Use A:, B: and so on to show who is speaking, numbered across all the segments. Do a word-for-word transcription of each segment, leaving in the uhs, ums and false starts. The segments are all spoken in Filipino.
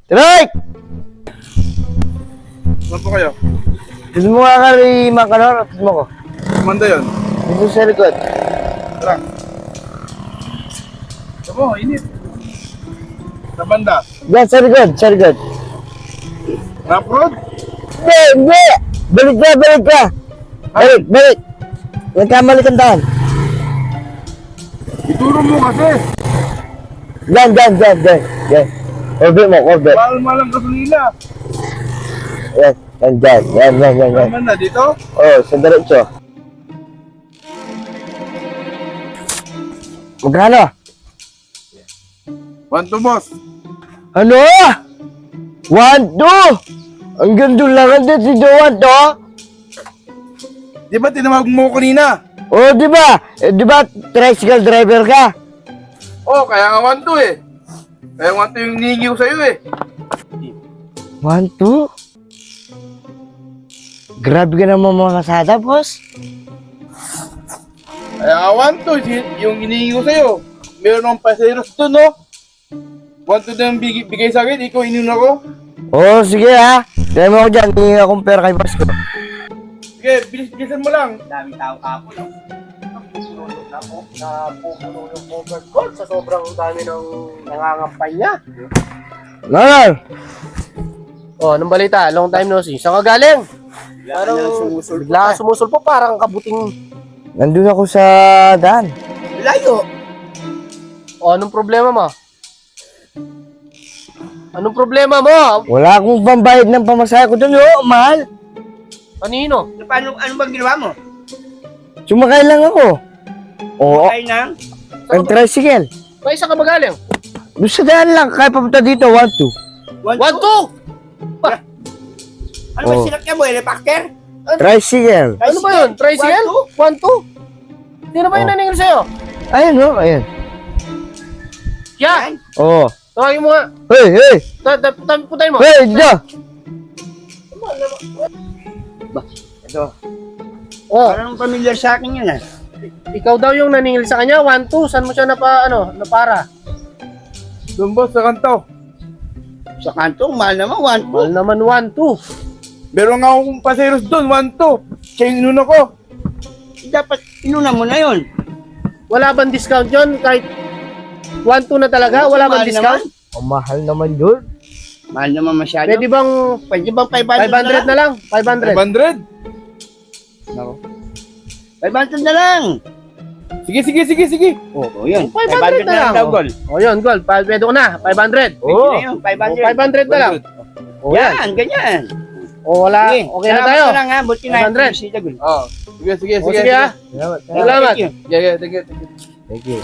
A: Trike!
B: Saan po kayo?
A: Gusto mo nga kari makanor? Gusto mo ko?
B: Kumanda yun.
A: Dito sa likod.
B: Tara. Ito po, init. Sa banda.
A: Diyan, sa likod, sa likod.
B: Rough road?
A: Hindi, hindi! Balik ka, balik ka! Balik, balik! Nagkamali kang daan.
B: Ituro mo kasi.
A: Diyan, diyan, diyan, diyan. Diyan. Cover mo, cover.
B: Mahal malang gasolina.
A: Yan, yan, dyan. Yan, yan, yan, yan.
B: Saan banda? Dito?
A: Oh, sa diretso. Magkano?
B: One to boss.
A: Ano? One, two! Ang ganda lang din si Joan to.
B: Di ba tinawag mo ko kanina?
A: Oh, di ba? Eh, di ba tricycle driver ka?
B: Oh, kaya nga one to eh. Kaya one to yung hinihingi ko sa'yo eh.
A: One, two? Grabe ka naman mga kasada, boss.
B: Kaya nga one to yung hinihingi ko sa'yo. Meron akong paseros doon, no? One to na yung bigay, bigay sa akin, ikaw inuna ko.
A: Oh, sige ha. Dahil mo ako dyan, hindi akong pera kay boss ko.
B: Sige, bilis-bilisan mo lang.
C: Daming tao kapo, no? Napupulong na po, napupulo yung covered gold sa sobrang dami ng nangangampay niya.
A: Nanay!
C: Oh, anong balita? Long time no see. Saan ka galing? Parang
B: sumusulpot
C: bigla ka sumusulpo, parang kabuting
A: Nandun ako sa daan.
C: layo. Oh, anong problema mo? Anong problema mo?
A: Wala akong pambayad ng pamasahe ko dun, oh, mahal.
C: Kanino?
D: Paano, ano bang ginawa mo?
A: Sumakay lang ako. Oo,
D: Ay nang?
A: ang tricycle.
C: Kaya saan ka ba galing?
A: Doon sa daan lang, kaya papunta dito, one, two.
D: One,
C: One, two!
D: Ano ba
A: Oh.
D: sinakyan mo? Helicopter?
A: Tricycle.
C: Ano ba yun? Tricycle? One, two? Sino ba yung
A: Oh.
C: naningil sa'yo?
A: Ayun, oh, ayun.
C: Yan!
A: Oo.
C: Tawagin mo nga.
A: Hey, hey!
C: Ta- ta- ta- Putayin mo.
A: Hey, dyan!
C: Oh,
D: Parang familiar sa akin yun ah.
C: ikaw daw yung naningil sa kanya. One, two. Saan mo siya napa, ano, napara?
B: Doon boss, sa kanto.
D: Sa kantong, mahal naman, one, two.
C: Mahal naman one, two.
B: Meron nga akong paseros doon, one to. Siya yung inuna ko.
D: Dapat, inuna mo na yun.
C: Wala bang discount yun? Kahit one, two na talaga? Wala bang
D: Mahal
C: discount?
A: Ang mahal naman yun.
D: Naman. Mahal naman masyado.
C: Pwede bang
D: Pwede bang five hundred,
C: five hundred na lang? five hundred.
B: five hundred?
D: five hundred na lang.
B: Sige, sige, sige, sige.
D: Oo, oh, yun.
C: five hundred na lang.
D: daw, Gol.
C: O yun, gold. Pa- Pwede ko na. five hundred.
D: Pwede
A: Oo.
D: na yun, five
C: O,
D: hundred.
C: five hundred na lang. O yan.
D: Yan, ganyan.
C: O wala.
D: Sige,
C: Okay na
D: salamat
C: tayo.
D: na lang ha, buti na
C: five hundred.
D: yung sita, Gol.
B: Oh, sige, sige,
C: O
B: sige.
C: sige ah.
A: Salamat,
C: Salamat.
D: Thank you.
B: Yeah, yeah, thank you, thank you.
A: Thank you.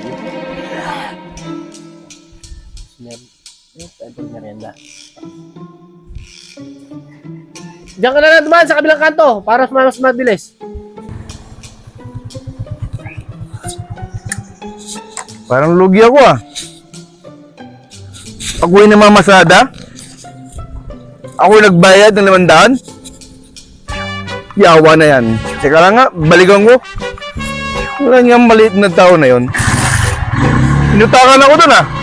C: Diyan ka na lang dumaan sa kabilang kanto para mas mabilis.
B: Parang lugi ako ah. Ako yung namamasada? Ako yung nagbayad ng limandaan? Yawa na yan. Teka lang nga, balikan ko. Wala niyang maliit na tao na yon. Inutakan ako dun ah.